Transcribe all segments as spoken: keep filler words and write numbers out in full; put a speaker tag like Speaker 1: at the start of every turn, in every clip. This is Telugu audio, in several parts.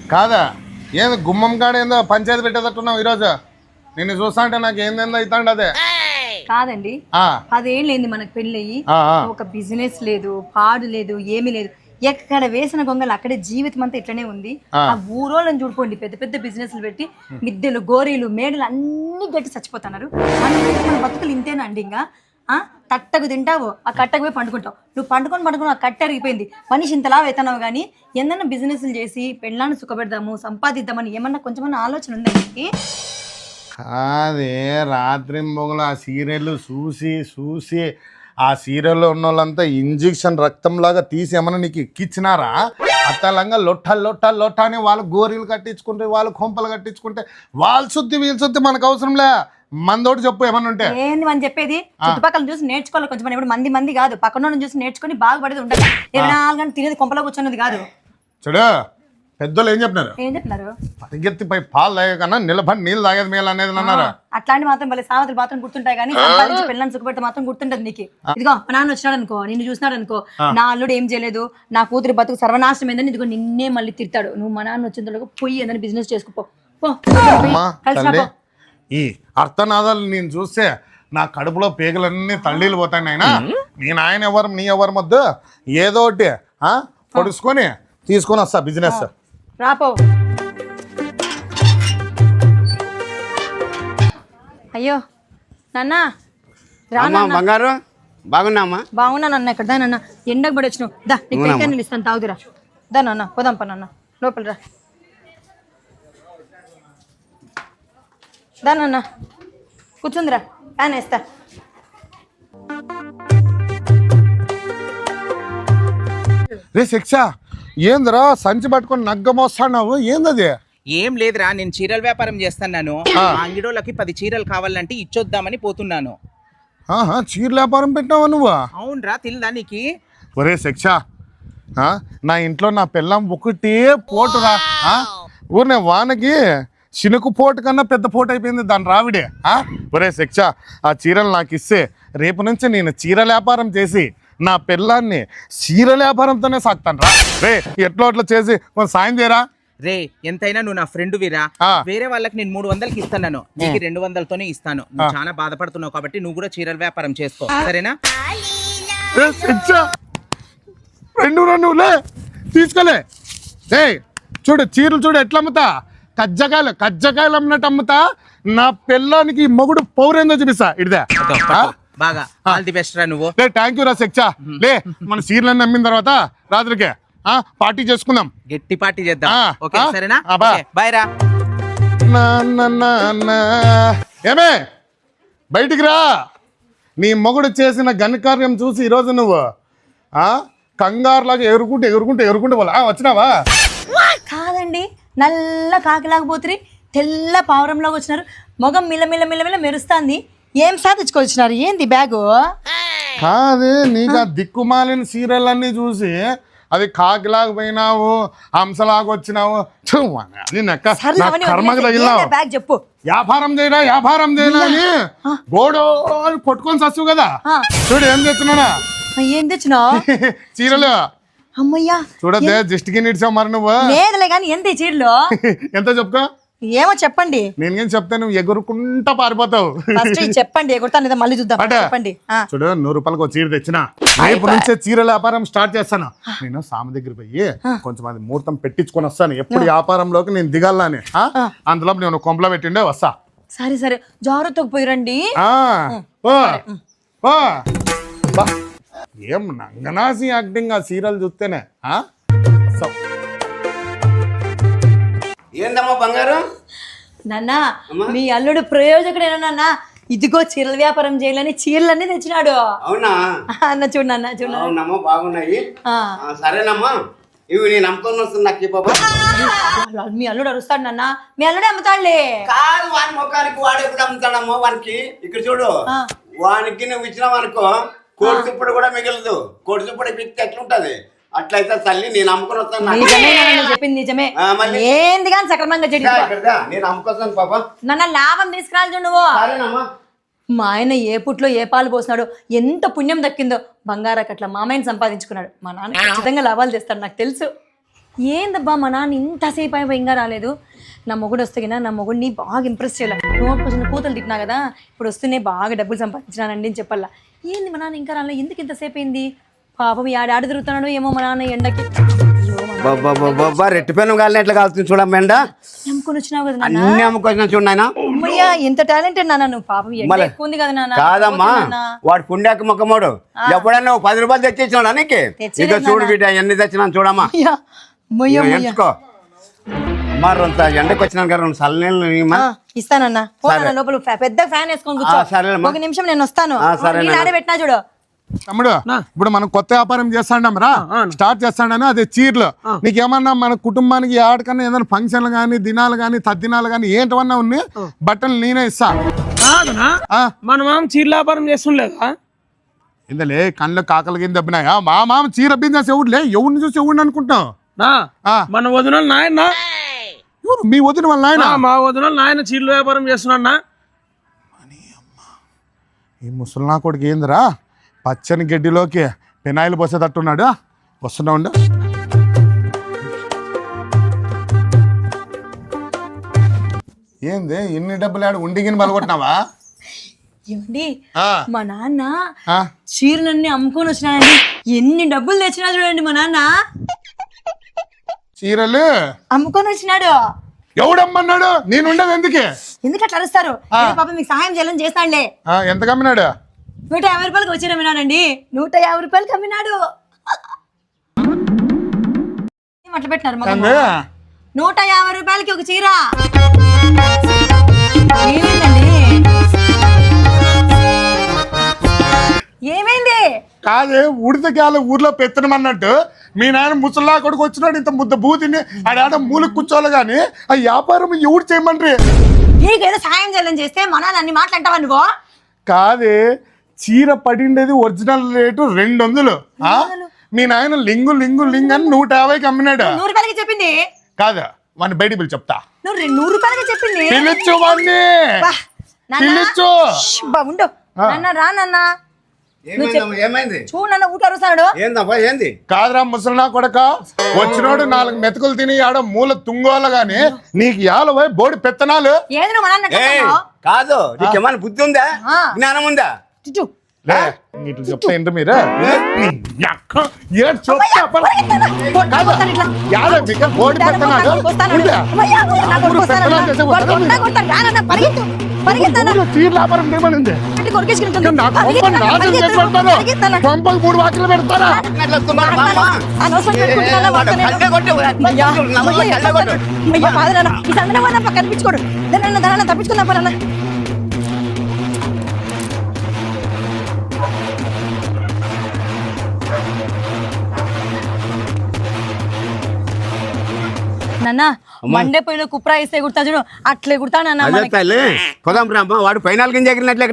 Speaker 1: కాదా ఏంది గుమ్మం కాడ ఏందో పంచాయతీ పెట్టేటట్టున్నావు ఈరోజు నిన్ను చూస్తా అంటే నాకు ఏందేందో అవుతాండి అదే
Speaker 2: కాదండి అదేం లేదు మనకు పెళ్ళయి ఒక బిజినెస్ లేదు పాడు లేదు ఏమీ లేదు ఎక్కడ వేసిన గొంగలు అక్కడే జీవితం అంతా ఇట్లనే ఉంది ఆ ఊరోళ్ళని చూడుకోండి పెద్ద పెద్ద బిజినెస్లు పెట్టి మిద్దెలు గోరీలు మేడలు అన్ని గట్టి చచ్చిపోతున్నారు మన బతుకులు ఇంతేనండి ఇంకా ఆ తట్టకు తింటావు ఆ కట్టకు పోయి పండుకుంటావు నువ్వు పండుకొని పండుకుని ఆ కట్ట అరిగిపోయింది మనిషి ఇంతలా అవుతున్నావు కానీ ఏదన్నా బిజినెస్లు చేసి పెళ్ళాన్ని సుఖపెడదాము సంపాదిద్దామని ఏమన్నా కొంచెమన్నా ఆలోచన ఉందా నీకు
Speaker 1: అదే రాత్రి మొగలు ఆ సీరియల్ చూసి చూసి ఆ సీరియల్లో ఉన్న వాళ్ళంతా ఇంజెక్షన్ రక్తంలాగా తీసి ఏమన్నా నీకు ఎక్కిచ్చినారా అత్తలంగా లొట్ట లొట్ట లొట్ట అని వాళ్ళు గోరీలు కట్టించుకుంటే వాళ్ళు కొంపలు కట్టించుకుంటే వాళ్ళు శుద్ధి వీళ్ళు శుద్ధి మనకు అవసరంలే మందోటి చెప్పు ఏమన్నా ఉంటే
Speaker 2: ఏంది మనం చెప్పేది చుట్టుపక్కల చూసి నేర్చుకోవాలి కొంచెం ఇప్పుడు మంది మంది కాదు పక్కన చూసి నేర్చుకుని బాగుపడేది ఉండాలి ఇరవై నాలుగు గంటలు తినేది కొంపలో కూర్చున్నది కాదు
Speaker 1: చూడు పెద్దోళ్ళు ఏం చెప్పినారు
Speaker 2: ఏం చెప్పినారు
Speaker 1: పరిగెత్తిపై పాలు తాగే కన్నా నిలబడి నీళ్ళు తాగేది మేలు అనేది అన్నారా
Speaker 2: అట్లాంటి మాత్రం భలే సామెతలు మాత్రం గుర్తుంటాయి కానీ సంపాదించి పిల్లల్ని సుఖపెడితే మాత్రం గుర్తుంటది నీకు ఇదిగో మా నాన్న వచ్చినాడు అనుకో నిన్ను చూసినాడు అనుకో నా అల్లుడు ఏం చేయలేదు నా కూతురు బతుకు సర్వనాశనం ఏందని ఇదిగో నిన్నే మళ్ళీ తిడతాడు నువ్వు మా నాన్న వచ్చిన పొయ్యి ఏదైనా బిజినెస్ చేసుకోపో
Speaker 1: ఈ అర్థనాదాలు నేను చూస్తే నా కడుపులో పేగులన్నీ తల్లీలు పోతాయి నాయన నేను ఆయన ఎవరు నీ ఎవరి మధ్య ఏదో ఒకటి పొడుచుకొని తీసుకొని వస్తా బిజినెస్
Speaker 2: రాపో అయ్యో నాన్న
Speaker 3: రామా బంగారు బాగున్నామా
Speaker 2: బాగున్నా నాన్న ఇక్కడ దా నాన్న ఎండకు పడి వచ్చినావు దా నీకు టెంకాయలు ఇస్తాను తాగుదురా దా నాన్న పోదాంపా నాన్న లోపల రా దా నాన్న కూర్చుందిరా ఫ్యాన్ వేస్తా
Speaker 1: రే శిక్ష ఏందిరా సంచి పట్టుకొని నగ్గమోస్తావు ఏందది
Speaker 4: ఏం లేదురా నేను చీరల వ్యాపారం చేస్తున్నాను అంగిడోళ్ళకి పది చీరలు కావాలంటే ఇచ్చొద్దామని పోతున్నాను
Speaker 1: చీర వ్యాపారం పెట్టినావా నువ్వు
Speaker 4: అవునరా తిల్దా నీకి
Speaker 1: ఒరే శిక్ష నా ఇంట్లో నా పిల్లం ఒకటే పోటురా ఊరినే వానకి చినుకు పోటు కన్నా పెద్ద పోటు అయిపోయింది దాని రావిడే ఒరే శిక్ష ఆ చీరలు నాకు ఇస్తే రేపు నుంచి నేను చీర వ్యాపారం చేసి నా పిల్లాన్ని చీర వ్యాపారంతోనే సాగుతాను రా రే ఎట్లా అట్లా చేసి కొంచెం సాయం చేయరా
Speaker 4: రే ఎంతైనా నువ్వు నా ఫ్రెండ్ వీరా వేరే వాళ్ళకి నేను మూడు వందలకి ఇస్తాను నీకు రెండు వందలతోనే ఇస్తాను నువ్వు చాలా బాధపడుతున్నావు కాబట్టి నువ్వు కూడా చీరల వ్యాపారం చేసుకో సరేనా
Speaker 1: రెండు నువ్వులే తీసుకోలే ఏ చూడు చీరలు చూడు ఎట్లా అమ్ముతా కజ్జకాయలు కజ్జకాయలు అమ్మినట్టు అమ్ముతా నా పిల్లానికి మొగుడు పౌరేందో చూపిస్తా ఇడిదా
Speaker 4: బాగా ఆల్ ది బెస్ట్ రా నువ్వు
Speaker 1: లే థ్యాంక్ యూ రా శిక్ష లే మన చీరలన్నీ అమ్మిన తర్వాత రాత్రికి పార్టీ చేసుకుందాం
Speaker 4: గట్టి పార్టీ చేద్దాం ఓకే సరేనా బాయ్ రా
Speaker 1: ఏమే బయటికి రా నీ మొగుడు చేసిన ఘనకార్యం చూసి ఈరోజు నువ్వు కంగారులాగా ఎగురుకుంటే ఎగురుకుంటే ఎగురుకుంటే పోలా వచ్చినావా
Speaker 2: కాదండి నల్ల కాకిలాగపోతురి తెల్ల పావురంలాగా వచ్చినారు మొగం మిల్ల మిల్ల మిల్ల మిల్ల మెరుస్తాంది ఏం సాధించుకొచ్చినారు ఏంది బ్యాగు
Speaker 1: కాదే నీకు ఆ దిక్కుమాలిన సీరియల్ అన్ని చూసి అది కాకిలాగా పోయినావు హంసలాగా వచ్చినావు కర్మకి తగిలినావు
Speaker 2: బ్యాగ్ చెప్పు
Speaker 1: వ్యాపారం చేయరా వ్యాపారం చేయరా అని గోడో కొట్టుకొని చస్తావు కదా చూడు ఏం తెచ్చున్నానా
Speaker 2: ఏం తెచ్చినావు
Speaker 1: చీరలు
Speaker 2: అమ్మయ్యా
Speaker 1: చూడద్దే దిష్టికి నిడిచావు మరి నువ్వు
Speaker 2: లేదులే కానీ ఎంత చీరలు
Speaker 1: ఎంత చెప్పుకో
Speaker 2: ఏమో చెప్పండి
Speaker 1: నేను చెప్తే నువ్వు ఎగురుకుంటా పారిపోతావు
Speaker 2: చెప్పండి ఎగురుతాను మళ్ళీ చూద్దాం చెప్పండి
Speaker 1: చూడు నూరు రూపాయలకు ఒక చీర తెచ్చిన రేపు నుంచే చీర వ్యాపారం స్టార్ట్ చేస్తాను నేను సామి దగ్గర పోయి కొంచెం అది ముహూర్తం పెట్టించుకొని వస్తాను ఎప్పుడు వ్యాపారంలోకి నేను దిగాలని అందులో నేను కొంపలో పెట్టిండే వస్తా
Speaker 2: సరే సరే జాగ్రత్తకు పోయిరండి
Speaker 1: ఏం నంగనాసి యాక్టింగ్ ఆ సీరియల్ చూస్తేనే
Speaker 3: ఏందమ్మా బంగారు
Speaker 2: నాన్న మీ అల్లుడు ప్రయోజకుడేనా నాన్న ఇదిగో చీరల వ్యాపారం చేయాలని చీరలన్నీ తెచ్చినాడు
Speaker 3: అవునా
Speaker 2: అన్న చూడు నాన్న చూడు
Speaker 3: అవునమ్మా బాగున్నాయి సరేనమ్మా ఇవి నేను అమ్ముకొని వస్తుంది నాకు బాబా
Speaker 2: మీ అల్లుడు అరుస్తాడు నాన్న మీ అల్లుడే అమ్ముతాడులే
Speaker 3: కాదు వాని ముఖానికి వాడు ఎప్పుడు అమ్ముతాడమ్మా వానికి ఇక్కడ చూడు వానికి నువ్వు ఇచ్చినావు అనుకో కోడి చుప్పుడు కూడా మిగలదు కోడి చుప్పుడు పిక్తే ఎట్లుంటది అట్లయితే తల్లి నేను అమ్ముకొని వస్తాను
Speaker 2: చెప్పింది నిజమే ఏంది కానీ సక్రమంగా
Speaker 3: నేను అమ్ముకొస్తాను పాప
Speaker 2: నన్న లాభం తీసుకురాలి చూడు నువ్వు మా ఆయన ఏ పుట్లో ఏ పాలు పోసినాడో ఎంత పుణ్యం దక్కిందో బంగారాకు అట్లా మామయ్యని సంపాదించుకున్నాడు మా నాన్న ఖచ్చితంగా లాభాలు చేస్తాడు నాకు తెలుసు ఏందబ్బా మా నాన్న ఇంతసేపు అయిపోయి ఇంకా రాలేదు. నా మొగుడు వస్తే కదా నా మొగుడిని బాగా ఇంప్రెస్ చేయాలి. నోట్ కోసం కూతురు తిట్టినా కదా, ఇప్పుడు వస్తూనే బాగా డబ్బులు సంపాదించినానండి అని చెప్పాలా. ఏంది మా నాన్న ఇంకా రాలేదు, ఎందుకు ఇంతసేపు అయింది? పాపం ఆడ ఆడ తిరుగుతున్నాడు ఏమో మా నాన్న ఎండకి.
Speaker 3: రెట్టిపోయిన గాలిని ఎట్లా కాలుతుంది చూడమ్మా ఎండ.
Speaker 2: నమ్ముకొని వచ్చినావు కదా నాన్న.
Speaker 3: అన్ని అమ్ముకొచ్చినా చూడు నాయన.
Speaker 2: అమ్మయ్యా ఎంత టాలెంటెడ్ నాన్న నువ్వు. పాపం ఎండ ఎక్కువ ఉంది కదా నాన్న.
Speaker 3: కాదమ్మా వాడు పుండాక మొక్కమోడు ఎప్పుడన్నా ఓ పది రూపాయలు తెచ్చిచ్చినాడు నీకు. ఇక చూడు బిడ్డ ఎన్ని తెచ్చినా చూడమ్మా. ఎంచుకో మరంత ఎండకు వచ్చినాను కదా రెండు చల్లనీళ్ళు
Speaker 2: ఇస్తానన్నా. లోపల పెద్ద ఫ్యాన్ వేసుకొని కూర్చో. ఒక నిమిషం నేను వస్తాను. ఆడే పెట్టినా చూడు.
Speaker 1: తమ్ముడు ఇప్పుడు మనం కొత్త వ్యాపారం చేస్తాండం రా, స్టార్ట్ చేస్తాడని అదే చీరలు. నీకేమన్నా మన కుటుంబానికి ఆడకన్నా ఏదైనా ఫంక్షన్లు గానీ దినాలు గానీ తద్దినాలు గానీ ఏంటవన్నా ఉన్నాయి బట్టలు నేనే ఇస్తా.
Speaker 5: మనం చీర వ్యాపారం చేస్తుండలేదా?
Speaker 1: ఇందలే కళ్ళు కాకలు కింద దెబ్బినాయా? మా మామ చీర బిజినెస్ ఎవడులే, ఎవరిని చూసి ఎవడిని అనుకుంటాం.
Speaker 5: మన వదిన నాయన
Speaker 1: మీ వదిన వాళ్ళ నాయన?
Speaker 5: మా వదిన నాయన చీరల వ్యాపారం చేస్తున్నా.
Speaker 1: ఈ ముసలినా కొడుకు ఏందిరా పచ్చని గడ్డిలోకి పెనాయిలు పోసేటట్టున్నాడు. వస్తున్నా ఉండు. ఏంది ఇన్ని డబ్బులు ఆడు ఉండిగిని బలగొట్టినావా?
Speaker 2: ఏమండి మా నాన్న చీరలన్నీ అమ్ముకొని వచ్చినాయండి. ఎన్ని డబ్బులు తెచ్చినా చూడండి మా నాన్న.
Speaker 1: చీరలు
Speaker 2: అమ్ముకొని వచ్చినాడు.
Speaker 1: ఎవడమ్మన్నాడు? నేను ఉండదు ఎందుకే?
Speaker 2: ఎందుకు అట్లా అరుస్తారు? పాప మీకు సహాయం చేయాలని చేస్తాడులే.
Speaker 1: ఎంత కమ్మినాడు?
Speaker 2: నూట యాభై రూపాయలకి వచ్చి అమ్మినాడండి. నూట యాభై రూపాయలకి అమ్మినాడు. అట్లా పెట్టినారు. నూట యాభై రూపాయలకి ఒక చీర. ఏమైందండి? ఏమైంది?
Speaker 1: కాదే ఉడితకాల ఊర్లో పెత్తనమన్నట్టు మీ నాయన ముసల్లా కొడుకు వచ్చినాడు ఇంత ముద్ద బూతిని ఆడ మూలకు కూర్చోవాలి కానీ ఆ వ్యాపారం ఎవడు చేయమండ్రి?
Speaker 2: నీకేదో సాయం చేయాలని చేస్తే మన అన్ని మాట్లాంటావా నువ్వు?
Speaker 1: కాదే చీర పడిండేది ఒరిజినల్ రేటు రెండు వందలు. మీ నాయన లింగు లింగు లింగ్ అని నూట యాభైకి అమ్మినాడు.
Speaker 2: నూరు రూపాయలకి చెప్పింది
Speaker 1: కాదా? వాడిని బయటికి పిలిచి చెప్తా.
Speaker 2: నువ్వు నూరు రూపాయలకి చెప్పింది.
Speaker 1: పిలిచు వాడిని పిలిచు.
Speaker 2: ఉండు నాన్న రా నాన్న.
Speaker 3: ఏమైంది
Speaker 2: చూడన్న ఊట అరుస్తాడు.
Speaker 3: ఏంది
Speaker 1: కాదురా ముసలినా కొడక, వచ్చినోడు నాలుగు మెతుకులు తిని ఆడ మూల తుంగోలు గాని నీకు యాల పోయి బోడి పెత్తనాలు.
Speaker 3: కాదు నీకేమైనా బుద్ధి ఉందా, జ్ఞానం ఉందా?
Speaker 1: ఇట్లా చెప్తా ఏంటి మీరు? బోడి పెత్తనాలు చీర వ్యాపారం ఏమనింది? పంపలు మూడు వాకిలు పెడతారా?
Speaker 2: కనిపించుకోడు తప్పించుకుందా? నాన్న మండే పోయిన కుప్రా ఇస్తే కుడతా చూడు అట్లే కుడతా నాన్న.
Speaker 3: వాడు పైనాలు కింద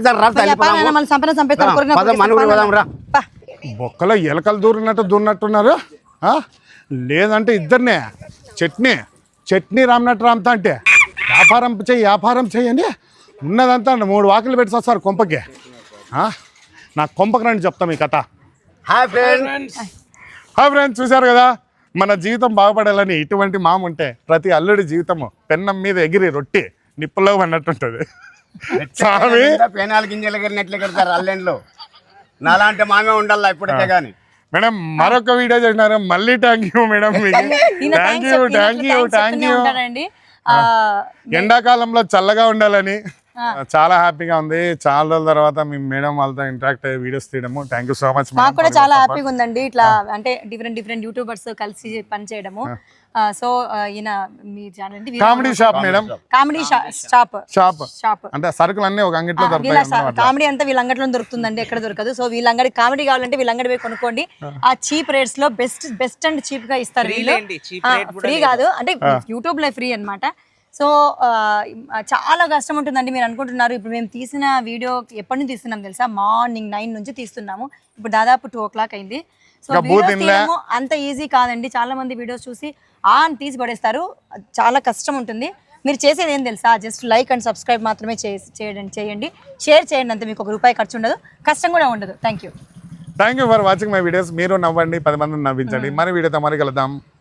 Speaker 1: బొక్కలో ఎలకలు దూరినట్టు దూరినట్టున్నారు. లేదంటే ఇద్దరినే చట్నీ చట్నీ రామ్నట్టు రామ్తా అంటే వ్యాపారం చెయ్యి వ్యాపారం చెయ్యండి. ఉన్నదంతా మూడు వాకిలు పెట్టి వస్తారు కొంపకి. నా కొంపకి రండి చెప్తాం ఈ కథ.
Speaker 3: Hi friends.
Speaker 1: హాయ్ ఫ్రెండ్స్, చూసారు కదా మన జీవితం బాగుపడాలని ఇటువంటి మామ ఉంటే ప్రతి అల్లుడి జీవితము పెన్నం మీద ఎగిరి రొట్టి నిప్పులో అన్నట్టుంటది. స్వామి
Speaker 3: పెనాలు గింజలు ఎగిరినట్లు ఎగురుతారు అల్లెండ్లో. నాలాంటి మామే ఉండాలి ఇప్పటికే కానీ.
Speaker 1: మేడం మరొక వీడియో చేసినారు. మళ్ళీ thank you madam. Thank you thank you thank you. ఎండాకాలంలో చల్లగా ఉండాలని చాలా హ్యాపీగా ఉంది. చాలా రోజుల తర్వాత మేము మేడం వాళ్ళతో ఇంటరాక్ట్ అయ్యే వీడియోస్ తీయడము. Thank you so much.
Speaker 2: మాకు కూడా చాలా హ్యాపీగా ఉందండి ఇట్లా అంటే డిఫరెంట్ డిఫరెంట్ యూట్యూబర్స్ కలిసి పని చేయడము. సో ఈయన మీ channel
Speaker 1: comedy shop madam.
Speaker 2: Comedy shop
Speaker 1: shop
Speaker 2: shop
Speaker 1: అంటే సరుకులు అన్ని ఒక అంగట్లో దొరుకుతాయి.
Speaker 2: కామెడీ అంతా వీళ్ళ అంగట్లో దొరుకుతుందండి, ఎక్కడ దొరకదు. సో వీళ్ళ అంగడి కామెడీ కావాలంటే వీళ్ళ అంగడి పోయి కొనుక్కోండి. ఆ చీప్ రేట్స్ లో బెస్ట్ బెస్ట్ అండ్ చీప్ గా ఇస్తారు వీళ్ళు. ఫ్రీ కాదు అంటే యూట్యూబ్ లో ఫ్రీ అన్నమాట. సో చాలా కష్టం ఉంటుందండి. మీరు అనుకుంటున్నారు ఇప్పుడు మేము తీసిన వీడియో ఎప్పటి నుంచి తీస్తున్నాం తెలుసా? మార్నింగ్ నైన్ నుంచి తీస్తున్నాము. ఇప్పుడు దాదాపు టూ ఓ క్లాక్ అయింది. సో వీడియోస్ తీయడము అంత ఈజీ కాదండి. చాలా మంది వీడియోస్ చూసి ఆ అని తీసి పడేస్తారు. చాలా కష్టం ఉంటుంది. మీరు చేసేది ఏం తెలుసా? జస్ట్ లైక్ అండ్ సబ్స్క్రైబ్ మాత్రమే చేయండి చేయండి షేర్ చేయండి అంతే. మీకు ఒక రూపాయి ఖర్చు ఉండదు, కష్టం కూడా ఉండదు. Thank you
Speaker 1: thank you for watching my videos. మీరు నవ్వండి, పది మందిని నవ్వించండి. మరి వీడియోతో మరి కలుద్దాం.